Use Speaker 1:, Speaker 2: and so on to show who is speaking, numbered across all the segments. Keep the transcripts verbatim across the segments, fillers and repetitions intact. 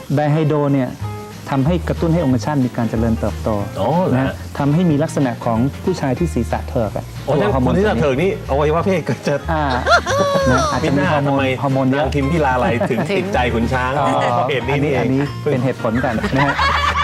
Speaker 1: ไดไฮโดรเนี่ยทำให้กระตุ้นให้องคชาตมีการเจริญเติบโตนะทำให้มีลักษณะของผู้ชายที่ศีรษะเถิกอ่ะ
Speaker 2: โอ้ยคนที่ศีรษะเถิกนี่อวัยวะเพศก็จะ
Speaker 1: อาจจะมีฮอร์โมนฮอร์โมนเยอะ
Speaker 2: พิมพิลาไหลถึงติดใจขุนช้างเหตุนี้นี่เอง
Speaker 1: อันนี้เป็นเหตุผลกันนะฮะ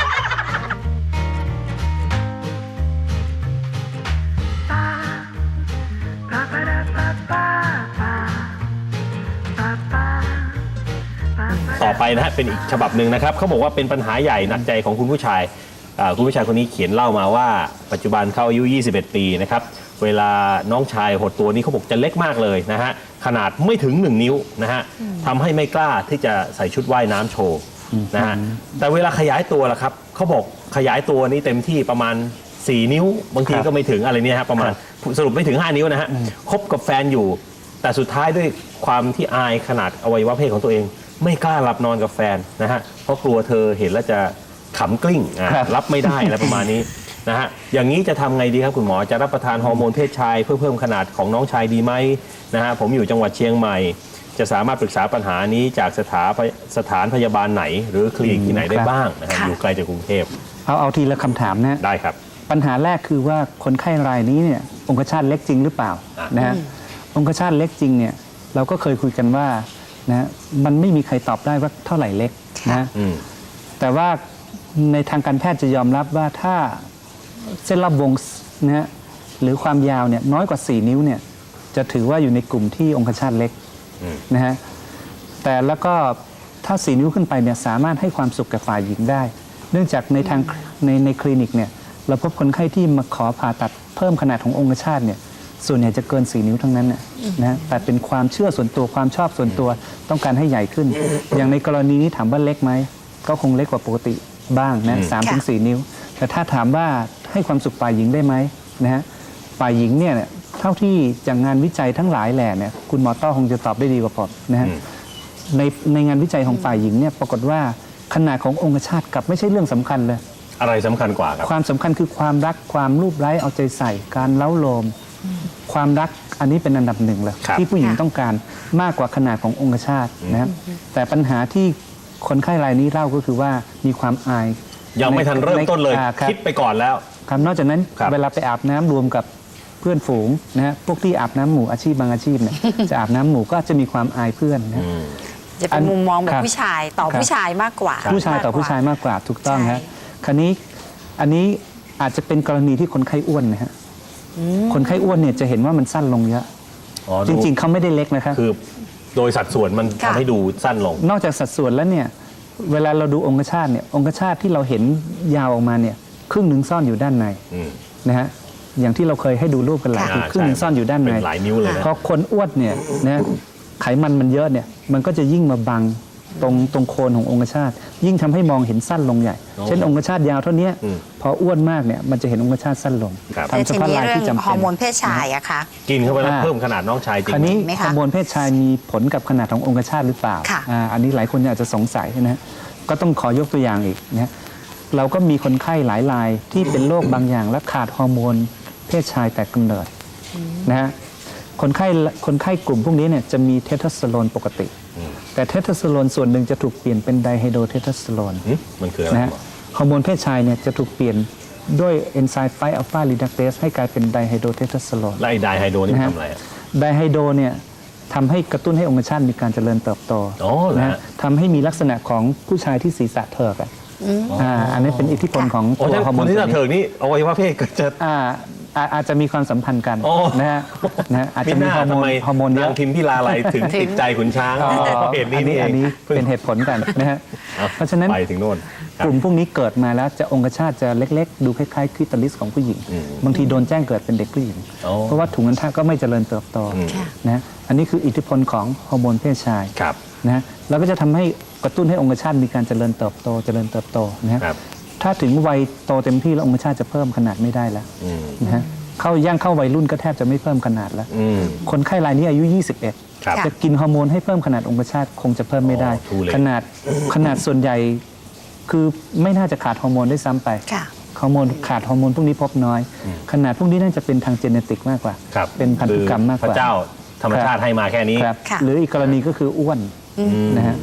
Speaker 2: ต่อไปนะฮะเป็นอีกฉบับหนึ่งนะครับเขาบอกว่าเป็นปัญหาใหญ่หนักใจของคุณผู้ชายคุณผู้ชายคนนี้เขียนเล่ามาว่าปัจจุบันเขาอายุยี่สิบเอ็ดปีนะครับเวลาน้องชายหดตัวนี้เขาบอกจะเล็กมากเลยนะฮะขนาดไม่ถึงหนึ่งนิ้วนะฮะทำให้ไม่กล้าที่จะใส่ชุดว่ายน้ำโชว์นะฮะแต่เวลาขยายตัวล่ะครับเขาบอกขยายตัวนี้เต็มที่ประมาณสี่นิ้วบางทีก็ไม่ถึงอะไรเนี่ยฮะประมาณสรุปไม่ถึงห้านิ้วนะฮะคบกับแฟนอยู่แต่สุดท้ายด้วยความที่อายขนาดอวัยวะเพศของตัวเองไม่กล้าหลับนอนกับแฟนนะฮะเพราะกลัวเธอเห็นแล้วจะขำกลิ้งรับไม่ได้อะไรประมาณนี้นะฮะอย่างนี้จะทำไงดีครับคุณหมอจะรับประทานฮอร์โมนเพศชายเพื่อเพิ่มขนาดของน้องชายดีไหมนะฮะผมอยู่จังหวัดเชียงใหม่จะสามารถปรึกษาปัญหานี้จากสถานสถานพยาบาลไหนหรือคลินิกที่ไหนได้บ้างนะฮะอยู่ไกลจากกรุงเทพ
Speaker 1: เอาเอาทีละคำถามนะ
Speaker 2: ได้ครับ
Speaker 1: ปัญหาแรกคือว่าคนไข้รายนี้เนี่ยองคชาตเล็กจริงหรือเปล่านะฮะองคชาตเล็กจริงเนี่ยเราก็เคยคุยกันว่านะมันไม่มีใครตอบได้ว่าเท่าไหร่เล็กนะแต่ว่าในทางการแพทย์จะยอมรับว่าถ้าเส้นรอบวงนะฮะหรือความยาวเนี่ยน้อยกว่าสี่นิ้วเนี่ยจะถือว่าอยู่ในกลุ่มที่องคชาตเล็กนะฮะแต่แล้วก็ถ้าสี่นิ้วขึ้นไปเนี่ยสามารถให้ความสุขกับฝ่ายหญิงได้ เนื่องจากในทางในในคลินิกเนี่ยเราพบคนไข้ที่มาขอผ่าตัดเพิ่มขนาดขององคชาตเนี่ยส่วนใหญ่จะเกินสี่นิ้วทั้งนั้นนะแต่เป็นความเชื่อส่วนตัวความชอบส่วนตัวต้องการให้ใหญ่ขึ้น อย่างในกรณีนี้ถามว่าเล็กไหมก็คงเล็กกว่าปกติบ้างนะสามถึงสี่นิ้วแต่ถ้าถามว่าให้ความสุขฝ่ายหญิงได้ไหมนะฮะฝ่ายหญิงเนี่ยเท่าที่จากงานวิจัยทั้งหลายแหล่เนี่ยคุณหมอต้อคงจะตอบได้ดีกว่าผมนะฮะในในงานวิจัยของฝ่ายหญิงเนี่ยปรากฏว่าขนาดขององคชาตกลับไม่ใช่เรื่องสำคัญเลย
Speaker 2: อะไรสำคัญกว่าครับ
Speaker 1: ความสำคัญคือความรักความรูปไร้เอาใจใส่การเล้าโลมความรักอันนี้เป็นอันดับหนึ่งเลยที่ผู้หญิงต้องการมากกว่าขนาดขององคชาตนะครับแต่ปัญหาที่คนไข้รายนี้เล่าก็คือว่ามีความอาย
Speaker 2: ยังไม่ทันเริ่มต้นเลยคิดไปก่อนแล้ว
Speaker 1: ครับนอกจากนั้นเวลาไปอาบน้ำรวมกับเพื่อนฝูงนะฮะพวกที่อาบน้ำหมู่อาชีพบางอาชีพเนี่ยจะอาบน้ำหมู่ก็จะมีความอายเพื่อนนะ
Speaker 3: จะเป็นมุมมองแบบผู้ชายต่อผู้ชายมากกว่า
Speaker 1: ผู้ชายต่อผู้ชายมากกว่าถูกต้องครับคราวนี้อันนี้อาจจะเป็นกรณีที่คนไข้อ้วนนะฮะคนไข้อ้วนเนี่ยจะเห็นว่ามันสั้นลงเยอะจริงๆเขาไม่ได้เล็กนะครับ
Speaker 2: คือโดยสัดส่วนมันทำให้ดูสั้นลง
Speaker 1: นอกจากสัดส่วนแล้วเนี่ยเวลาเราดูองคชาตเนี่ยองคชาตที่เราเห็นยาวออกมาเนี่ยครึ่งหนึ่งซ่อนอยู่ด้านในนะฮะอย่างที่เราเคยให้ดูรูปกันหลายคือครึ่งหนึ่งซ่อนอยู่ด้านใน
Speaker 2: หลายนิ้วเลยนะ
Speaker 1: พอคนอ้วนเนี่ยนะไขมันมันเยอะเนี่ยมันก็จะยิ่งมาบังตรงตรงโคนขององคชาตยิ่งทำให้มองเห็นสั้นลงใหญ่เช่นองคชาตยาวเท่านี้พออ้วนมากเนี่ยมันจะเห็นองคชาตสั้นลง
Speaker 3: ทำเฉพาะลายที่จำเป็นฮอร์โมนเพศชายอะคะ
Speaker 2: กินเข้าไปแล้วเพิ่มขนาดน้องชายจริง
Speaker 1: คราวนี้ฮอร์โมนเพศชายมีผลกับขนาดขององคชาตหรือเปล่าอันนี้หลายคนอาจจะสงสัยนะก็ต้องขอยกตัวอย่างอีกนะเราก็มีคนไข้หลายรายที่เป็นโรคบางอย่างและขาดฮอร์โมนเพศชายแต่กำเนิดนะฮะคนไข้คนไข้กลุ่มพวกนี้เนี่ยจะมีเทสโทสเตอโรนปกติแต่เทสโทสเตอโรนส่วนหนึ่งจะถูกเปลี่ยนเป็นไดไฮโดรเทสโทสเตอโรน
Speaker 2: มันคืออะไร
Speaker 1: นะฮะฮอร์โมนเพศชายเนี่ยจะถูกเปลี่ยนด้วยเอนไซม์ไฟอัลฟารีดักเตสให้กลายเป็นไดไฮโดรเทสโทสเตอโรน
Speaker 2: และไดไฮโดรนี่ทำอะไร
Speaker 1: ไดไฮโดรเนี่ยทำให้กระตุ้นให้องคชาตมีการเจริญเติบโตนะทำให้มีลักษณะของผู้ชายที่ศีรษะเถิกอ่ะอันนี้เป็นอิทธิพลของ
Speaker 2: ตัวฮอร์โมนที่ศีรษะเถิกนี่อวัยวะเพศก็จะ
Speaker 1: อาจจะมีความสัมพันธ์กันนะฮะนะอาจจะมีฮอร์โมนฮอร์โมนเยอะ
Speaker 2: พิมพิลาไหลถึงติดใจขุนช้างเหตุนี้นี่
Speaker 1: อันนี้เป็นเหตุผลกันนะฮะเพราะฉะนั้น
Speaker 2: ไปถึงโน่น
Speaker 1: กลุ่มพวกนี้เกิดมาแล้วจะองคชาตจะเล็กๆดูคล้ายๆคลิตอริสของผู้หญิงบางทีโดนแจ้งเกิดเป็นเด็กผู้หญิงเพราะว่าถุงอัณฑะก็ไม่เจริญเติบโตนะอันนี้คืออิทธิพลของฮอร์โมนเพศชายนะแล้วก็จะทำให้กระตุ้นให้องคชาตมีการเจริญเติบโตเจริญเติบโตนะถ้าถึงวัยโตเต็มที่แล้วองคชาตจะเพิ่มขนาดไม่ได้แล้วนะฮะเข้าย่างเข้าวัยรุ่นก็แทบจะไม่เพิ่มขนาดแล้วคนไข้รายนี้อายุยี่สิบเอ็ดจะกินฮอร์โมนให้เพิ่มขนาดองคชาตคงจะเพิ่มไม่ได้ขนาดขนาดส่วนใหญ่คือไม่น่าจะขาดฮอร์โมนได้ซ้ำไปฮอร์โมนขาดฮอร์โมนพวกนี้พบน้อยขนาดพวกนี้น่าจะเป็นทางเจเนติกมากกว่าเป็นพันธุกรรมมากกว่า
Speaker 2: พระเจ้าธรรมชาติให้มาแค่นี้
Speaker 1: หรืออีกกรณีก็คืออ้วนนะฮะ
Speaker 3: อ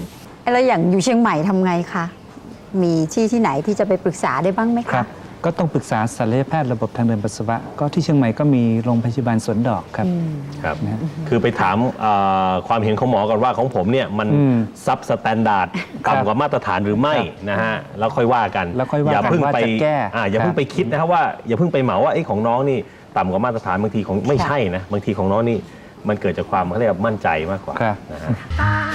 Speaker 3: แล้วอย่างอยู่เชียงใหม่ทำไงคะ มีที่ที่ไหนที่จะไปปรึกษาได้บ้างไหม
Speaker 1: ครั
Speaker 3: คะ
Speaker 1: บก็ต้องปรึกษาศัลยแพทย์ระบบทางเดินปัสสาวะก็ที่เชียงใหม่ก็มีโรงพยาบาลสวนดอกครับ
Speaker 2: ครับ
Speaker 1: นะฮะ
Speaker 2: คือไปถามเอ่อความเห็นของหมอก่อนว่าของผมเนี่ยมัน
Speaker 1: อืม
Speaker 2: ซับสแตนดาร์ด
Speaker 1: ครับ
Speaker 2: ต่ำกว่ามาตรฐานหรือไม่
Speaker 1: ครับ
Speaker 2: นะฮะแล้วค่อยว่ากัน
Speaker 1: แล้วค่อยว่า
Speaker 2: อย่า
Speaker 1: กัน
Speaker 2: เพิ่ง
Speaker 1: ว่า
Speaker 2: ไป
Speaker 1: จะแก้
Speaker 2: อ่าอย่าเพิ่ง
Speaker 1: ครับ
Speaker 2: ไปคิดนะครับว่าอย่าเพิ่งไปเหมาว่าไอ้ของน้องนี่ต่ำกว่ามาตรฐานบางทีของไม่ใช่นะบางทีของน้องนี่มันเกิดจากความเขาเรียกว่ามั่นใจมากกว่า
Speaker 1: ครับ
Speaker 2: นะฮะ